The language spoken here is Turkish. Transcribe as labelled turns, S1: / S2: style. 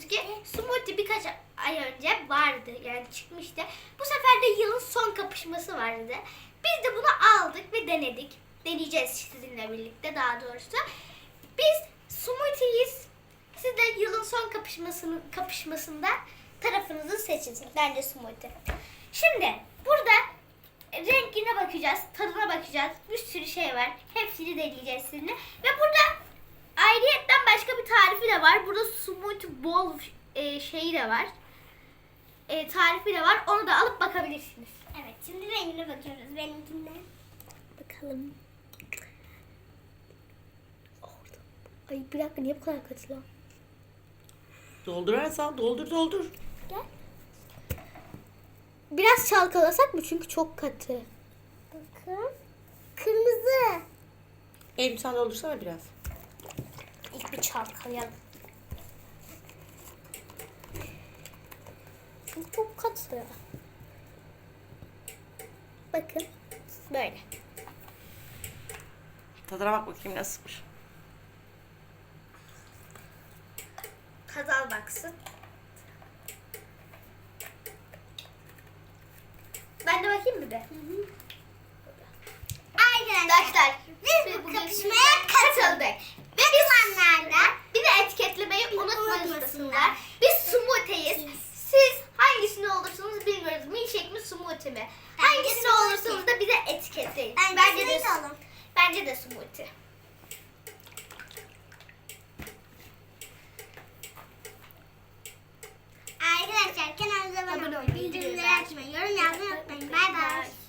S1: ki smoothie birkaç ay önce vardı, yani çıkmıştı. Bu sefer de yılın son kapışması vardı. Biz de bunu aldık ve denedik. Deneyeceğiz sizinle birlikte, daha doğrusu. Biz smoothie'yiz. Siz de yılın son kapışmasında tarafınızı seçin. Bence smoothie. Şimdi burada rengine bakacağız, tadına bakacağız. Bir sürü şey var. Hepsini deneyeceğiz sizinle. Ve burada ayrıyetten başka bir tarifi de var. Burada smoothie bowl şeyi de var. Tarifi de var. Onu da alıp bakabilirsiniz.
S2: Evet, şimdi rengine bakıyoruz. Benimkine.
S1: Bakalım. Ay bir dakika, niye bu kadar katı lan?
S3: Doldurarsan doldur.
S1: Gel. Biraz çalkalasak mı? Çünkü çok katı.
S2: Bakın. Kırmızı.
S3: Eylül sen doldursana biraz.
S1: İlk bir çalkalayalım. Çünkü çok katı. Bakın. Böyle.
S3: Tadına bak bakayım nasılmış.
S1: Kazal baksın. Ben de bakayım bir de. Arkadaşlar
S2: Biz bu kapışmaya katıldık.
S1: ve bizi etiketlemeyi unutmasınlar. Biz smoothie'yiz. Siz hangisini olursunuz bilmiyoruz. Milkshake mi, smoothie mi? Hangisini olursunuz da bize etiketleyin. Bence de smoothie.
S2: Arkadaşlar kanalımıza abone olmayı, bildirimleri açmayı, yorum yazmayı unutmayın. Bay bay.